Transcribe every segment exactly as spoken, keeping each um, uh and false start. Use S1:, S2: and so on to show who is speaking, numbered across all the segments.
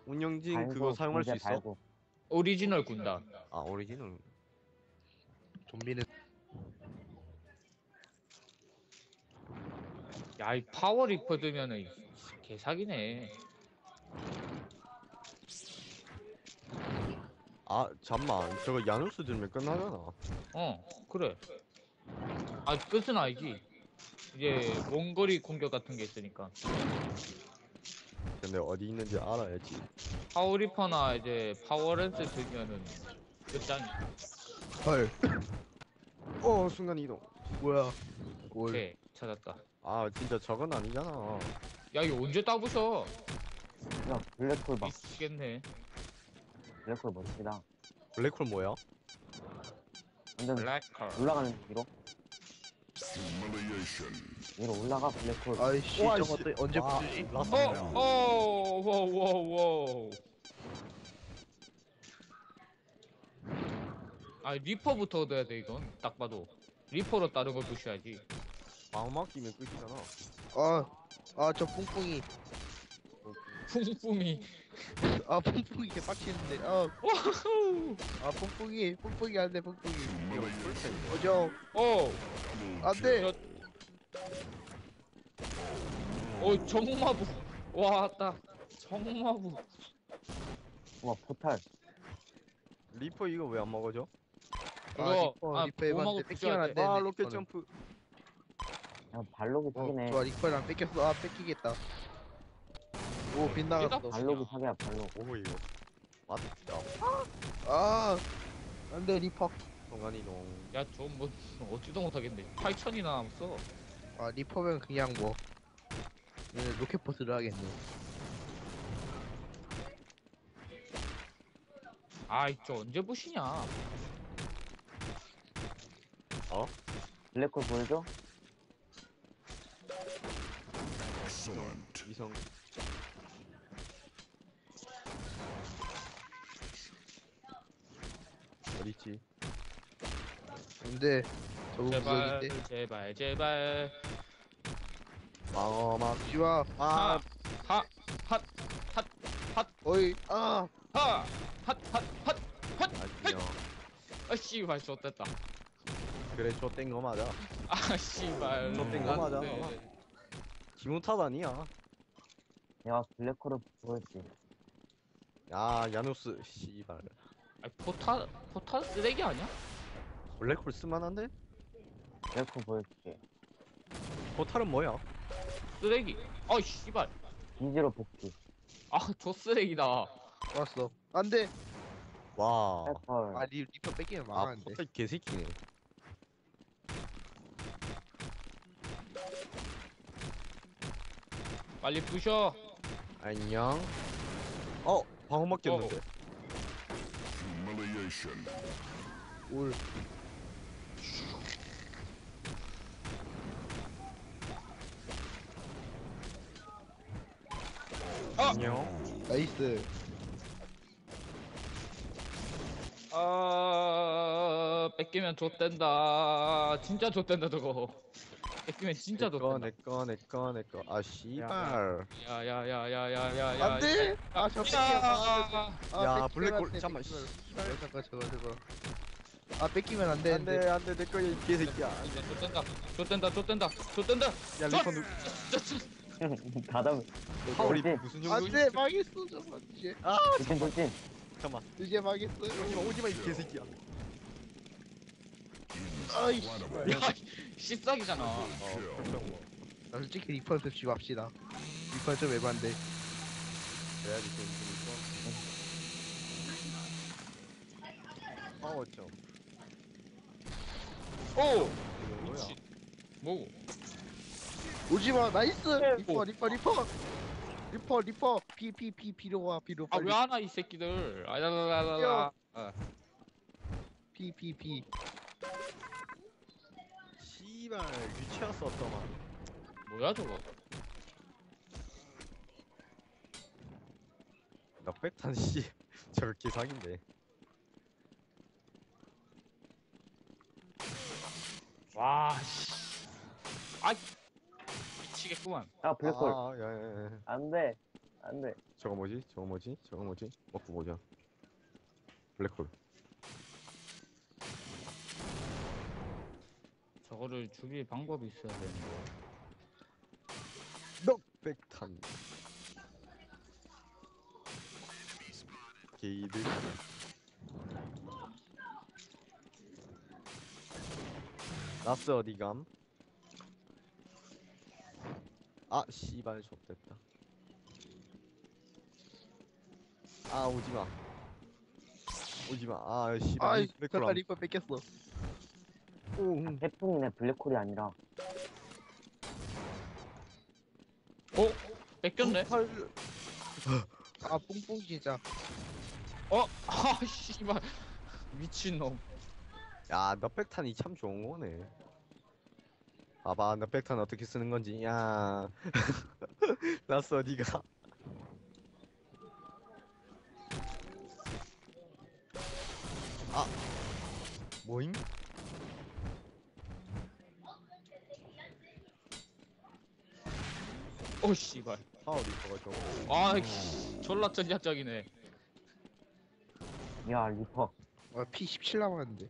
S1: 운영진
S2: 발고,
S1: 그거 사용할 수
S2: 이제
S1: 있어?
S2: 발고.
S3: 오리지널 군단.
S1: 아 오리지널.
S4: 좀비는
S3: 야, 이 파워 리퍼 들면은 개사기네.
S1: 아 잠만 저거 야누스 들면 끝나잖아.
S3: 어, 그래. 아, 끝은 아니지. 이제 원거리 공격 같은 게 있으니까.
S1: 근데 어디 있는지 알아야지.
S3: 파워 리퍼나 이제 파워랜스 들면은 끝장이.
S4: 헐
S1: 어 순간 이동.
S4: 뭐야 올
S3: 오케이, 찾았다.
S1: 아 진짜 저건 아니잖아.
S3: 야, 이거 언제 따부셔?
S2: 야, 블랙홀 봐.
S3: 미치겠네.
S2: 블랙홀 멋지다.
S1: 블랙홀 뭐야?
S2: 완전
S3: 블랙컬.
S2: 올라가는 뒤로. 위로 올라가, 블랙홀.
S4: 아이씨
S1: 우와,
S4: 저거
S1: 씨.
S4: 또 언제
S1: 와,
S4: 부수지?
S1: 라스
S3: 어,
S1: 뭐야?
S3: 어, 워우, 워우, 워우. 아, 리퍼부터 얻어야 돼, 이건. 딱 봐도. 리퍼로 다른 걸 부셔야지.
S1: 방어막 끼면 끝이잖아.
S4: 아아저 뿡뿡이
S3: 뿡뿡이.
S4: 아 뿡뿡이 개 빡치는데 아아
S3: 와우.
S4: 뿡뿡이 뿡뿡이 안돼 뿡뿡이
S1: 이거 풀템.
S4: 어저
S3: 어.
S4: 안돼
S3: 어, 정마부. 와, 딱. 정마부.
S2: 우와, 포탈.
S1: 리퍼 이거 왜 안 먹어져?
S3: 그거,
S4: 리퍼
S3: 아,
S4: 리퍼 해봤는데
S3: 보호막을
S4: 뺏기면
S3: 부셔야
S4: 안
S3: 돼.
S4: 되네
S1: 아 로켓
S4: 리퍼는.
S1: 점프.
S2: 야, 발록이
S4: 어
S2: 사기네.
S4: 좋아 리퍼랑 뺏겼어 아 뺏기겠다 오 빗나갔어
S2: 발록이 사기야, 발록.
S1: 오 이거. 맞다.
S4: 아 안돼 리퍼
S1: 순간 이동.
S3: 야, 저 뭐, 어찌도 못하겠네. 팔천이나 남았어.
S4: 아 리퍼면 그냥 뭐 얘는 로켓포스를 하겠네
S3: 아이, 저 언제 부시냐.
S1: 어?
S2: 블랙홀 보여줘?
S1: 이성. 어딨지?
S4: 근데 저거
S3: 제발,
S4: 구석인데
S3: 제발, 제발.
S1: 방어막.
S4: 지와
S1: 아
S3: 하, 핫, 핫, 핫,
S4: 어이 아
S3: 하, 핫, 핫, 핫, 핫.
S1: 아니요.
S3: 아, 씨발, 좋됐다.
S1: 그래 저땐 거 맞아.
S3: 아, 씨발.
S1: 저땐 거 맞아.
S3: 네.
S1: 기분 탓 아니야.
S2: 내가 블랙홀을 보여줄게.
S1: 야 야누스 씨발.
S3: 아, 포탈, 포탈 쓰레기 아니야?
S1: 블랙홀 쓸만한데?
S2: 블랙홀 보여줄게.
S1: 포탈은 뭐야?
S3: 쓰레기. 아, 씨발.
S2: 기지로 복귀.
S3: 아, 저 쓰레기다.
S4: 왔어 안돼
S1: 와.
S2: 블랙홀.
S4: 아 리, 리퍼 뺏기면
S1: 아
S4: 망하는데
S1: 포탈 개새끼네.
S3: 빨리 부셔.
S1: 안녕. 어 방어막 꼈는데.
S4: 올
S3: 아!
S1: 안녕.
S4: 나이스
S3: 아, 뺏기면 좆된다. 진짜 좆된다, 저거. 뺏기면 진짜
S1: 내꺼
S3: 좆된다.
S1: 내꺼 내꺼 내꺼. 아 씨발.
S3: 야, 야, 야, 야, 야, 야, 야.
S4: 안돼 아저 뺏겨
S3: 야,
S4: 아,
S1: 야,
S4: 뺏기면
S1: 블랙홀,
S4: 안 돼,
S1: 잠깐만,
S4: 뺏기면. 아, 잠깐 저거 저거 아 뺏기면 안
S1: 안돼
S4: 되는데
S1: 안돼 내꺼 이 개새끼야.
S3: 좆된다, 좆된다, 좆된다, 좆된다.
S1: 야 리퍼 누.
S2: 가담.
S1: 우리
S2: 돌진.
S1: 무슨 용도?
S4: 안돼 망했어 저거 이제
S1: 아
S2: 돌진, 돌진.
S1: 잠깐만.
S4: 이제 망했어요
S1: 오지마 오지마 이 개새끼야.
S4: 아이씨
S3: 야, 씹싹이잖아.
S1: 어 그렇다고.
S4: 나 솔직히 리퍼한테 쥐고 합시다 리퍼 좀 에반데
S1: 그래야지 좀 재밌어. 파워 점.
S3: 오!
S1: 이거 뭐야?
S3: 미친. 뭐고?
S4: 오지마 나이스 리퍼 리퍼 리퍼 리퍼 리퍼 비 비 비 비로 와 비로
S3: 아,
S4: 빨리
S3: 왜 하나, 이 새끼들. 아야라라라. 아,
S4: 비 비 비
S1: 씨발 유치원 썼더만.
S3: 뭐야, 저거?
S1: 나 백탄 씨 저거 개사기인데.
S3: 와, 씨. 아, 미치겠구만.
S2: 야, 블랙홀.
S1: 아 야야야.
S2: 안 돼. 안돼.
S1: 저거 뭐지? 저거 뭐지? 저거 뭐지? 먹고 보자. 블랙홀.
S3: 저거를 죽일 방법이 있어야 되는데.
S1: 넉백탄. 게이드. 나스 어디감? 아 씨발 좆됐다. 아 오지마. 오지마. 아 씨발.
S4: 아이
S1: 블랙홀
S4: 잠깐
S1: 안-
S4: 리퍼 뺏겼어.
S1: 오, 음.
S2: 태풍이네 블랙홀이 아니라.
S3: 어? 뺏겼네?
S4: 아 뿡뿡 진짜.
S3: 어? 아 씨발 미친놈.
S1: 야, 넉백탄이 참 좋은 거네. 봐봐, 넉백탄 어떻게 쓰는 건지. 야, 나스 어디가? 아, 뭐임?
S3: 어 씨발.
S1: 파워리 저거 저거.
S3: 아 씨, 졸라 전략적이네.
S2: 야 리퍼.
S4: 아, 피 십칠 남았는데.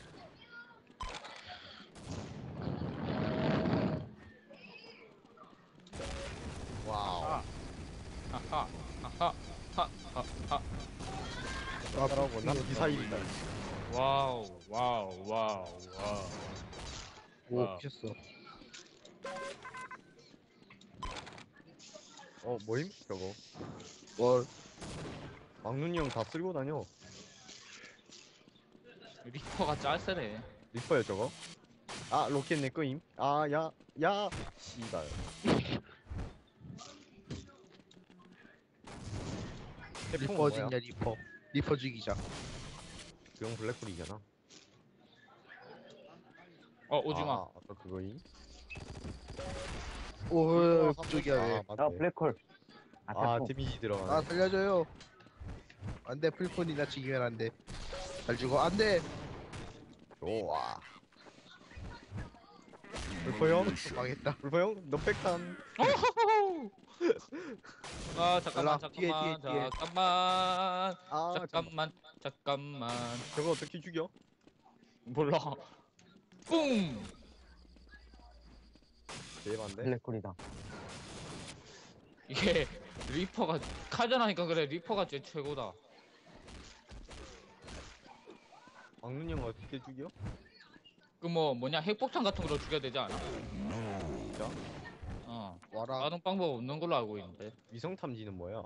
S1: 와우.
S3: 하하 하하 하하 하.
S4: 아
S1: 따라오고 난 미사일이다.
S3: 와우 와우 와우 와우.
S4: 오
S3: 와우.
S4: 미쳤어.
S1: 어, 뭐임? 저거.
S4: 뭘?
S1: 막눈이 형 다 쓸고 다녀.
S3: 리퍼가 짤세네.
S1: 리퍼야 저거. 아, 로켓 내 거임. 아, 야, 야, 씨발. 태풍은
S4: 리퍼
S1: 뭐야?
S4: 어딨냐 리퍼. 리퍼 죽이자.
S1: 그형 블랙홀이잖아.
S3: 어 오지마.
S1: 아, 아까 그거임.
S4: 오 그쪽이야 왜?
S1: 아,
S2: 야
S1: 맞네.
S2: 블랙홀. 아
S1: 아,
S2: 태풍.
S1: 데미지
S4: 아
S1: 들어가네.
S4: 살려줘요. 안돼 풀폰이나 죽이면 안돼. 잘 죽어 안돼.
S1: 좋아. 불포 형?
S4: 망했다.
S1: 불포 형? 넉백탄.
S3: 아 잠깐만
S4: 올라, 뒤에,
S3: 잠깐만
S4: 뒤에, 뒤에.
S3: 잠깐만
S1: 아, 잠깐.
S3: 잠깐만 잠깐만.
S1: 저거 어떻게 죽여?
S3: 몰라. 뿡.
S1: 대박인데?
S2: 블랙홀이다.
S3: 이게 리퍼가 카전하니까 그래. 리퍼가 제일 최고다.
S1: 막눈 형 어떻게 죽여?
S3: 그 뭐 뭐냐 핵폭탄 같은 걸로 죽여야 되지 않아?
S1: 진짜?
S3: 어.
S4: 와라.
S3: 다른 방법 없는 걸로 알고 있는데.
S1: 위성 탐지는 뭐야?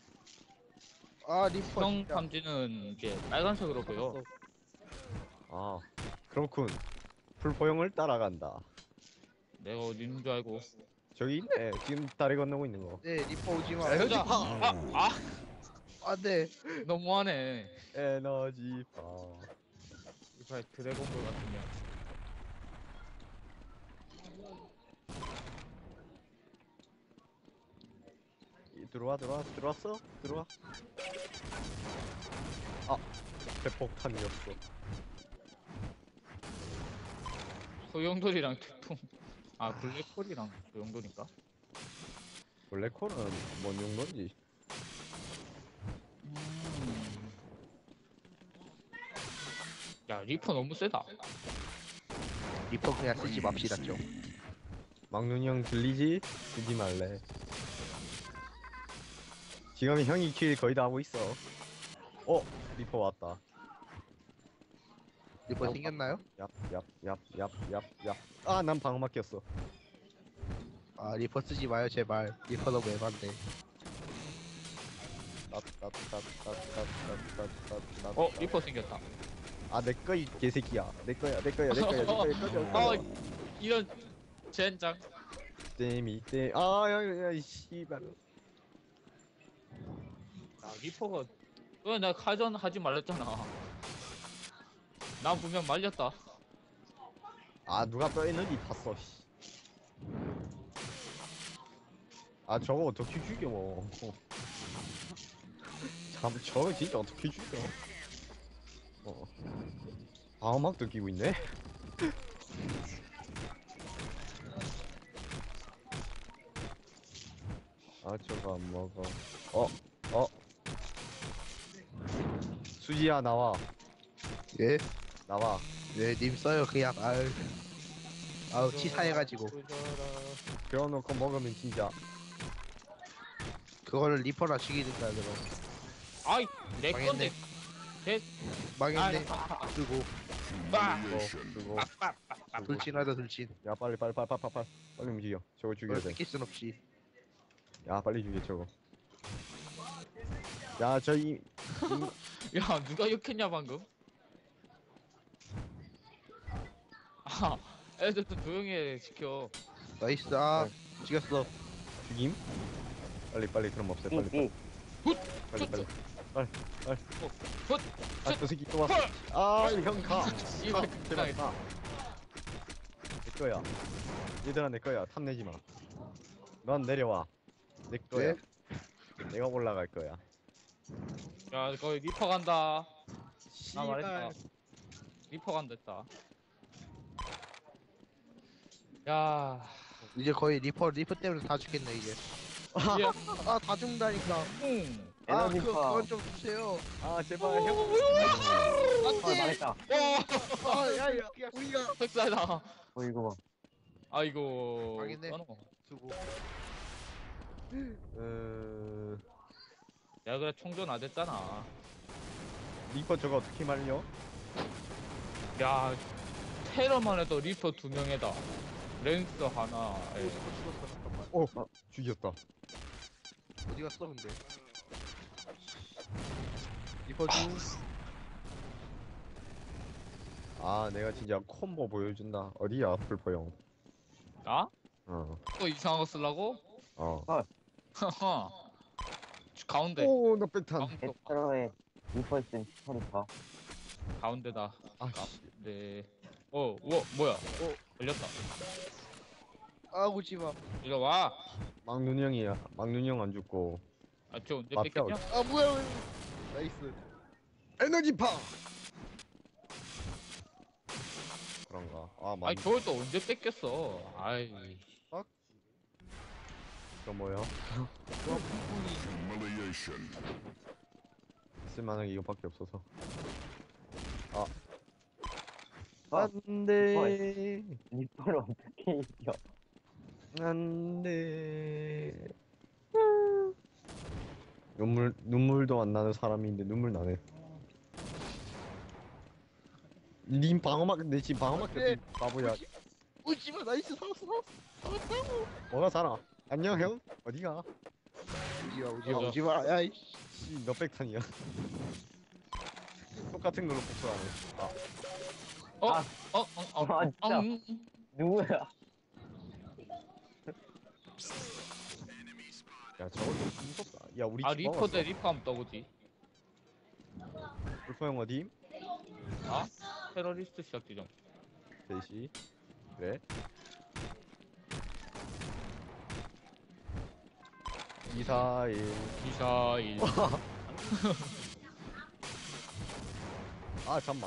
S4: 아 리퍼
S3: 성
S4: 진짜.
S3: 탐지는 이제 빨간색으로 보여.
S1: 아, 그렇군. 불포 형을 따라간다.
S3: 내가 어디 있는 줄 알고.
S1: 저기 있네. 지금 다리 건너고 있는 거.
S4: 네 리퍼 오지마.
S1: 야,
S3: 보자. 아, 아,
S4: 안돼.
S3: 아, 너무하네.
S1: 에너지 바.
S3: 이발 드래곤볼 같은 년.
S1: 이, 들어와 들어와 들어왔어? 들어와. 아, 대폭탄이었어.
S3: 소용돌이랑 태풍. 아 블랙홀이랑 소용돌인가?
S1: 블랙홀은 뭔 용도인지.
S3: 음. 야 리퍼 너무 세다.
S4: 리퍼 그냥 쓰지 맙시다 좀.
S1: 막눈이 형 들리지? 쓰지 말래. 지금 형이 킬 거의 다 하고 있어. 어, 리퍼 왔다.
S4: 리퍼 생겼나요?
S1: 얍얍얍얍얍얍. 아, 난 방어 막혔어.
S4: 아 리퍼 쓰지 마요 제발. 리퍼 너무 애반데.
S1: 따따따따따따따따따.
S3: 어 리퍼 생겼다.
S1: 아, 내 거 이 개새끼야. 내 거야, 내 거야, 내 거야, 내 거야, 내 거야. 내
S3: 어
S1: 거야.
S3: 이런 젠장.
S1: 땜이 땜. 아, 야, 야, 이 씨발.
S3: 아 리퍼가 왜 내가 카전 하지 말랬잖아. 난 분명 말렸다.
S1: 아, 누가 떠있는지 봤어. 씨. 아, 저거 어떻게 죽여? 참, 저거 진짜 어떻게 죽여? 어. 방어막도 끼고 있네. 아, 저거 먹어 안 먹어. 어 어. 수지야 나와
S4: 예?
S1: 나와.
S4: 네, 님 써요 그냥. 아유, 아우 치사해가지고.
S1: 배워놓고 먹으면 진짜.
S4: 그거를 리퍼나 죽이든가 그럼.
S3: 아이 내
S4: 망했네.
S3: 건데. 개.
S4: 망했네.
S3: 아,
S4: 쓰고
S3: 빠.
S1: 그거 그거.
S3: 빡빡빡.
S4: 돌진하다 돌진.
S1: 야 빨리 빨리 빨리 빨리 빨리 빨리 빨리 움직여. 저거 죽여야
S4: 그걸
S1: 돼.
S4: 뺏길 순 없이.
S1: 야 빨리 죽여 저거. 야 저이
S3: 야 누가 욕했냐 방금? 아 애들 좀 조용히 해 시켜.
S4: 나이스. 아 죽였어.
S1: 죽임? 빨리 빨리 그럼 없애
S2: 삐,
S1: 빨리
S2: 삐.
S1: 빨리 빨리 빨리 빨리
S3: 훗!
S1: 아저 새끼 또 왔어. 아형가
S3: 씨발
S1: 제발
S3: 끝나겠다.
S1: 가. 내 거야. 얘들아 내 거야. 탐내지 마. 넌 내려와. 내 거야. 내가 올라갈 거야.
S3: 야 거기 리퍼 간다. 나
S1: 씨발.
S3: 말했다. 리퍼 간다 했다. 야.
S4: 이제 거의 리퍼 리퍼 때문에 다 죽겠네 이제.
S3: 예.
S4: 아 다 죽는다니까.
S3: 응.
S4: 아
S2: 에너지
S4: 그거
S2: 파.
S4: 그건 좀 주세요.
S1: 아 제발 형.
S2: 아, 망했다.
S3: 와.
S4: 아야야 그냥 우리가
S3: 흑사다.
S2: 어, 이거 봐.
S3: 아이고.
S4: 망했네.
S3: 까놓고.
S4: 두고.
S1: 어...
S3: 야 그래 총전 안 됐잖아.
S1: 리퍼 저거 어떻게 말려?
S3: 야 테러만 해도 리퍼 두 명에다 랜스 하나.
S4: 오
S3: 에.
S4: 죽었어 죽었어 잠깐만.
S1: 오 죽였다.
S4: 어디 갔어 근데? 리퍼 중.
S1: 아 내가 진짜 콤보 보여준다. 어디야 풀포 형?
S3: 나?
S1: 어.
S3: 또 이상한 거 쓰려고?
S1: 어.
S3: 하하. 가운데.
S1: 오나 백탄.
S3: 가운데.
S2: 에스트로의 리퍼 있으면 스타리파.
S3: 가운데다.
S1: 아 씨.
S3: 네. 어, 뭐 뭐야? 어, 걸렸다.
S4: 아 오지마.
S3: 이리 와.
S1: 막눈형이야. 막눈형 안 죽고.
S3: 아, 저 언제
S1: 마피아
S3: 뺏겼냐?
S4: 아 뭐야? 나이스.
S1: 에너지파. 그런가? 아 맞.
S3: 아니, 저걸 또 언제 뺏겼어? 아이.
S1: 저 뭐야?
S5: Humiliation.
S1: 쓸만한 게 이거밖에 없어서. 아.
S2: 아,
S1: 안돼.
S2: 리퍼를 어떻게 이겨?
S1: 안돼. 눈물 눈물도 안 나는 사람인데 눈물 나네. 님 방어막 내 지금 방어막
S4: 네.
S1: 바보야.
S4: 오지마 나이스 살았어 살았어. 살았다고.
S1: 뭐가 살아? 안녕 형. 어디가?
S4: 오지마 오지마
S3: 맞아.
S4: 오지마. 야이.
S1: 씨 몇백 탄이야. 똑같은 걸로 복수하네. 아.
S3: 어?
S2: 아.
S3: 어? 어? 어?
S2: 아, 진짜.
S3: 음, 음.
S2: 누구야?
S1: 야 저거 좀 무섭다. 야 우리
S3: 아,
S1: 집
S3: 리퍼 대 리퍼 하면 떠보지.
S1: 불포 형 어디?
S3: 아? 테러리스트 시작 지정.
S1: 셋이. 그래. 이사일.
S3: 미사일.
S1: 아 잠만.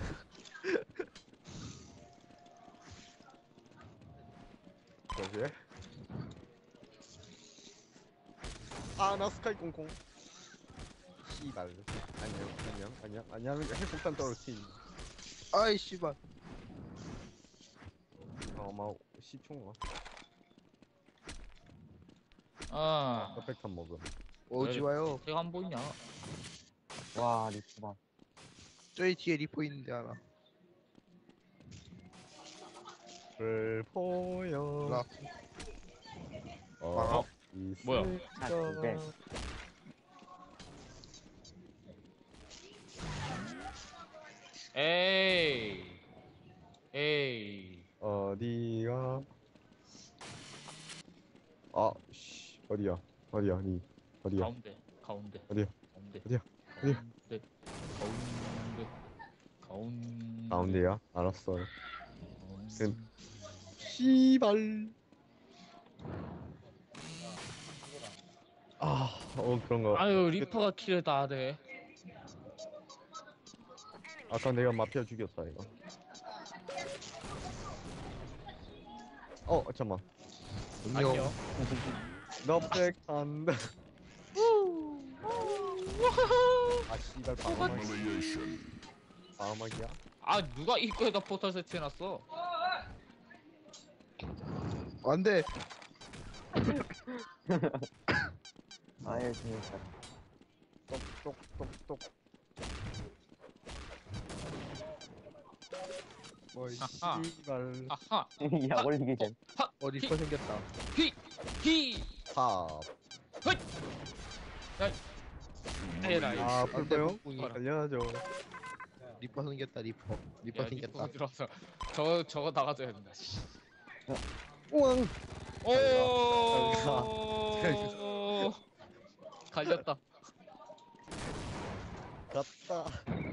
S1: 여기에? 아나 스카이 콩콩. 씨발. 안녕 안녕 안녕 안녕 핵폭탄 떨어뜨린.
S4: 아이 씨발.
S1: 어마 십 초인가?
S3: 아,
S1: 몇백탄 먹음.
S4: 오지마요.
S3: 제가 안 보이냐?
S2: 와, 리퍼다.
S4: 저기 뒤에 리퍼 있는데 하나.
S1: 불포영.
S4: 나.
S1: 어.
S3: 뭐야?
S2: 아, 근데.
S3: 에이. 에이.
S1: 어디가? 아, 씨, 어디야? 어디야? 니 어디야?
S3: 가운데. 가운데.
S1: 어디야?
S3: 가운데.
S1: 어디야? 어디야?
S3: 가운데. 가운데. 가운데.
S1: 가운데야? 알았어.
S3: 가운데.
S1: 그럼- 씨발. 아, 어 그런 거.
S3: 아유, 리퍼가 킬을 다 하네.
S1: 아까 내가 마피아 죽였다 이거. 어, 잠만.
S4: 안녕.
S3: 안녕.
S1: 너백 한다. 아 씨발 방어막이. 방어막이야?
S3: 아 누가 입구에다 포털 설치해놨어?
S4: 안돼.
S2: 아예 재밌다.
S1: 똑똑똑똑. 어이
S3: 아하.
S1: 씨발.
S3: 아하
S2: 약 올리기 전.
S4: 어 리퍼 생겼다.
S3: 히
S1: 탑.
S3: 에라이.
S1: 아 풀포용?
S4: 뿡뿡이.
S1: 달려야죠.
S4: 리퍼 생겼다 리퍼. 리퍼
S3: 야,
S4: 생겼다.
S3: 리퍼가 들어와서 저거 저거 나가줘야 된다. 씨.
S1: 우왕.
S3: 오. 갈렸다.
S1: 갔다.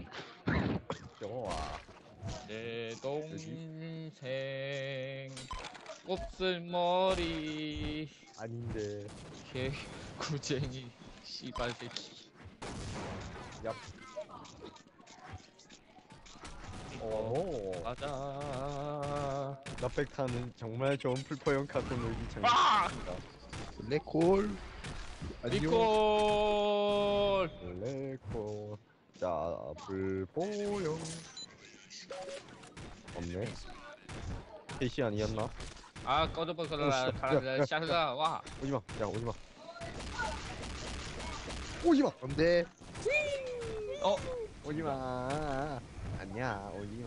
S1: 좋아.
S3: 내 동생 곱슬머리
S1: 아닌데.
S3: 개구쟁이 씨발 새끼.
S1: 얍. 오.
S3: 가자.
S1: 나백타는 정말 좋은 풀포용 카드 놀기 장.
S3: 아!
S4: 블랙홀. 안녕.
S3: 리콜.
S1: 레코. 자 풀포용. 없네. 캐시 아니었나?
S3: 아 꺼져버 그라 가라 샤르라 와.
S1: 오지마. 야 오지마. 오지마.
S4: 안돼.
S3: 어
S1: 오지마. 아니야 오지마.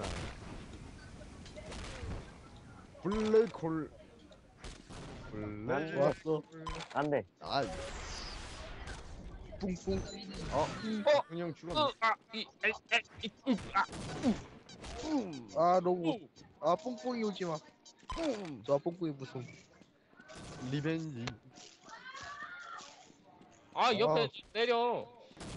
S1: 블랙홀. 블랙.
S4: 좋았어.
S2: 안 돼.
S1: 아.
S4: 뿡뿡.
S1: 어.
S3: 어.
S1: 그냥 죽었네.
S3: 어아이아
S4: 아 너무. 아 뿡뿡이 오지 마. 저 뿡뿡이 무슨.
S1: 리벤지.
S3: 아 옆에
S4: 아.
S3: 내려.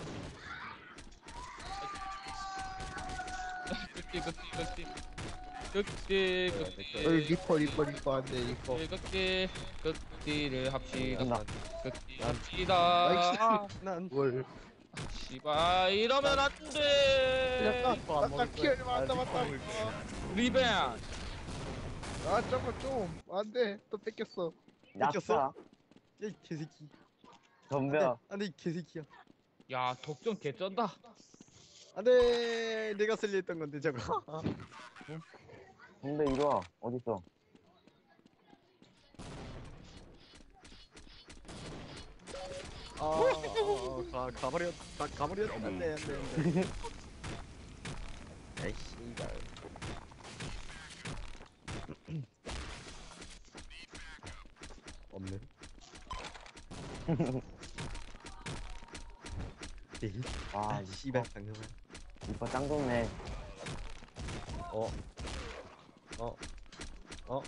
S3: 극디 극디 극디 극디
S4: 어,
S3: 극디
S4: 리퍼 리퍼 리퍼 안돼 리퍼.
S3: 극디 극디를 합시다.
S2: 끝나.
S3: 극디
S1: 난-
S3: 합시다.
S1: 난
S4: 뭘.
S3: 씨발 이러면 안 돼.
S4: 야,
S1: 리퍼 안
S4: 나
S1: 먹을
S4: 키를
S1: 거야. 아,
S4: 맞다 맞다.
S1: 리퍼 먹을
S3: 리벤.
S4: 아 잠깐 좀 안돼 또 뺏겼어.
S1: 뺏겼어?
S2: 약사.
S1: 이 개새끼.
S2: 덤벼.
S1: 안돼 이 개새끼야.
S3: 야 독점 개쩐다.
S1: 안돼 내가 쓸려 했던 건데 저거.
S2: 근데 이리 와. 어딨어?
S1: 아, 아, 가 가버렸 가 가버렸. 안돼 안돼 안돼. 에이 씨발. 없네. 에이
S2: 아,
S1: 아 씨발 당연한.
S2: 이거 짱 좋네.
S1: 어. 어. 어.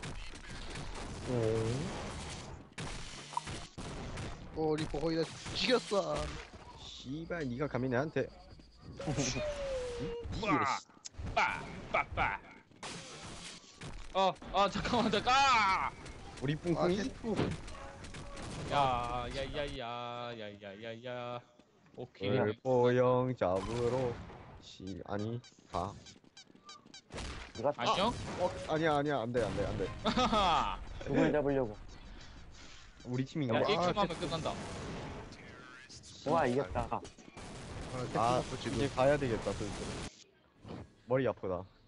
S4: 어 리퍼 거의 다 죽였어.
S1: 씨발 네가 감히 내한테.
S3: 빠, 빠, 빠, 빠. 어, 어, 잠깐만, 잠깐.
S1: 우리
S4: 아
S1: 뿡뿡이.
S4: 셰프.
S3: 야, 야, 야, 야, 야, 야, 야, 야. 오케이.
S1: 불포영 잡으러 씨 아니 가.
S2: 네가
S3: 안녕.
S1: 어 아니야 아니야 안돼 안돼 안돼.
S3: 하하.
S2: 누굴 잡으려고.
S1: 우리 팀인가
S3: 야,
S1: 봐.
S3: 일 초
S4: 아,
S3: 하면 끝난다.
S2: 와, 이겼다.
S4: 아
S1: 아
S4: 셰프 지금.
S1: 이제 가야 되겠다 슬슬. 머리 아프다.